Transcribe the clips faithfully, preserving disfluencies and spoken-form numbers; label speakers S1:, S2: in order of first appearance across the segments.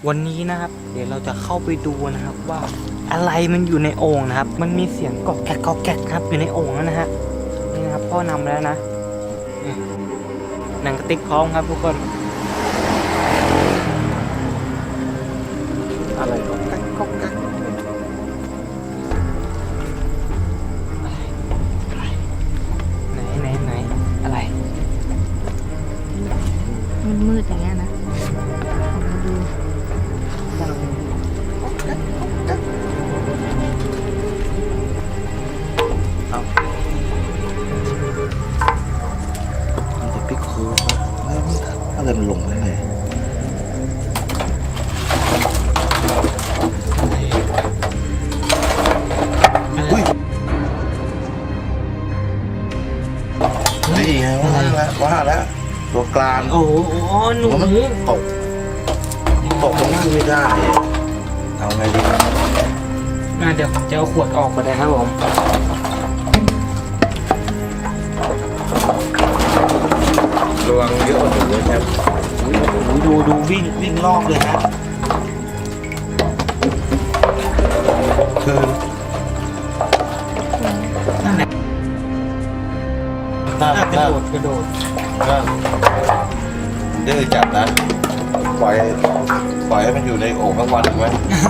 S1: วันนี้นะครับเดี๋ยวเราจะเข้าไปดูนะครับว่าอะไรมันอยู่ในโอ่งนะครับมันมีเสียงกอกแกกกอกแกกครับอยู่ในโอ่งแล้วนะฮะนี่นะครับพ่อนำแล้วนะหนังกระติกพร้อมครับทุกคนอะไรกอกแกกกอกแกกไหนไหนไหนอะไร
S2: มันมืดอย่างเงี้ยนะลองมาดู
S1: เอา
S3: มันจะปิกโค้งแล้วอะไรมันลงได้ไงอุ้ยนี่ไงว่าแล้วว่าแล้วตัวกลาง
S1: โอ้โหหนู
S3: มันตกตกตรงนี้ไม่ได้เอาไงดีครับ
S1: อ่ะเดี๋ยวจะเอาขวดออกมาได้ครับผม
S3: ระวังเยอะกว่าหนูเลยครับดูดูวิ่งวิ่งรอบเลยนะคือ
S1: นั่นแหละ
S3: น่า
S1: อ่ะกระ
S3: น่า
S1: โดดกระโดด
S3: น่าดื้อจัดนะปล่อยปล่อยให้มันอยู่ในโอ่งทั้งวันถูกไหม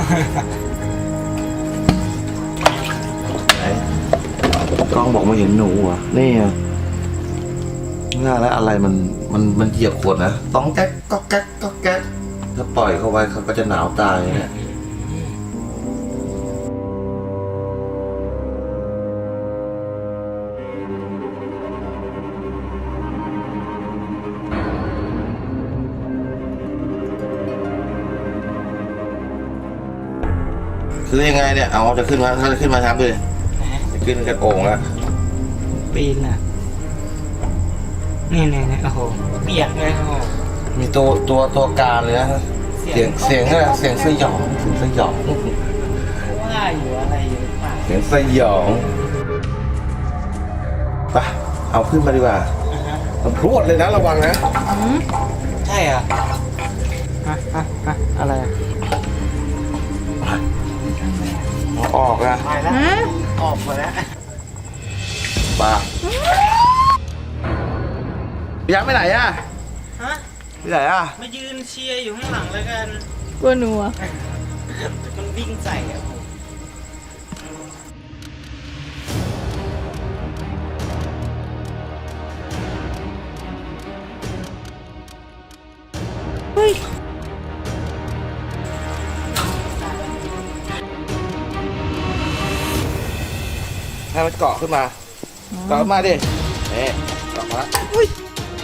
S3: ไหนกล้องบอกไม่เห็นหนูอ่ะนี่อ่ะง่ายแล้วอะไรมันมันมันเหยียบขวดนะต้องแก๊กก็แก๊กก็แก๊กถ้าปล่อยเข้าไว้เขาก็จะหนาวตายเนี่ยคือยังไงเนี่ยเอาจะขึ้นมาถ้าจะขึ้นมาทำเลยจะขึ้นกระโอ่งแล้ว
S1: ปีนอ่ะนี่นี่นี่โอ้โหเปียกเลยโอ้โห
S3: มีตัวตัวตัวการเลยนะเสียงเสียงอะไรเสียงสยองเสียงสยอง
S1: ว่าอยู่อะไรอยู่หรือเปล่า
S3: เสียงสยองไปเอาขึ้นมาดีกว่า
S1: อ่าฮะ
S3: มันพรวดเลยนะระวังนะ
S2: อืม
S1: ใช่เหรอฮะฮะฮะอะไรอ่ะ
S3: เอาออกนะ
S1: ไปแล้ว
S2: ฮะ
S1: ออกมาแล้ว
S3: ปายังไปไหนอ่ะ
S1: ฮะ
S3: ไปไหนอ่ะ
S1: มายืนเชียร์อยู่ข้างหลังแล้วกัน
S2: กลัวหนูอ่ะ
S1: มันวิ่งใส่อ่ะ
S2: เฮ้ย
S3: ให้มันเกาะขึ้นมาเกาะขึ้นมาดิเอ๊ะเกาะมาแล้วอุ้ย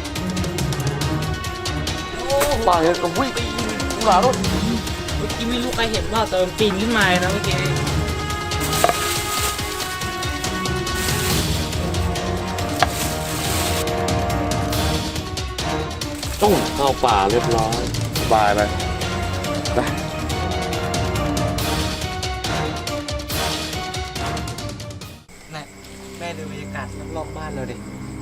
S3: ปล่อยเลยก็วิ่งหลารถ
S1: เมื่อกี้ไม่รู้ใครเห็นว่าแต่มันปีนขึ้นมานะเมื่อกี้
S3: ต้องเข้าป่าเรียบร้อยสบายเลยไป
S1: แม่แม่ดูบรรยากาศรอบๆบ้านเราดิ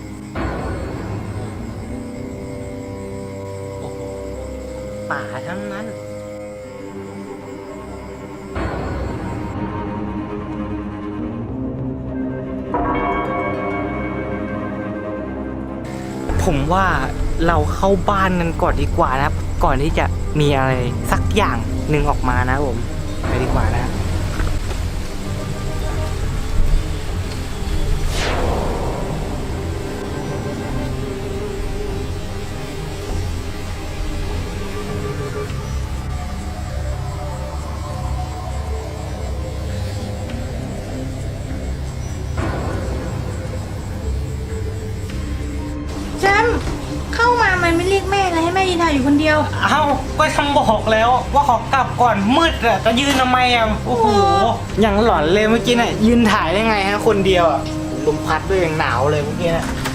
S1: โอ้โหป่าทั้งนั้นผมว่าเราเข้าบ้านกันก่อนดีกว่านะครับก่อนที่จะมีอะไรสักอย่างหนึ่งออกมานะผมไปดีกว่านะ
S2: แชมป์เข้ามามันไม่เรียกแม่เลยให้แม่ยืนถ่ายอยู่คนเดียว
S1: เอ้าก็ทำบอกแล้วว่าขอกลับก่อนมืดอะจะยืนทำไมอะโอ้โหอย่างหลอนเลยเมื่อกี้น่ะยืนถ่ายได้ไงฮะคนเดียวอะลมพัดด้วยอย่างหนาวเลยเมื่อกี้น่ะ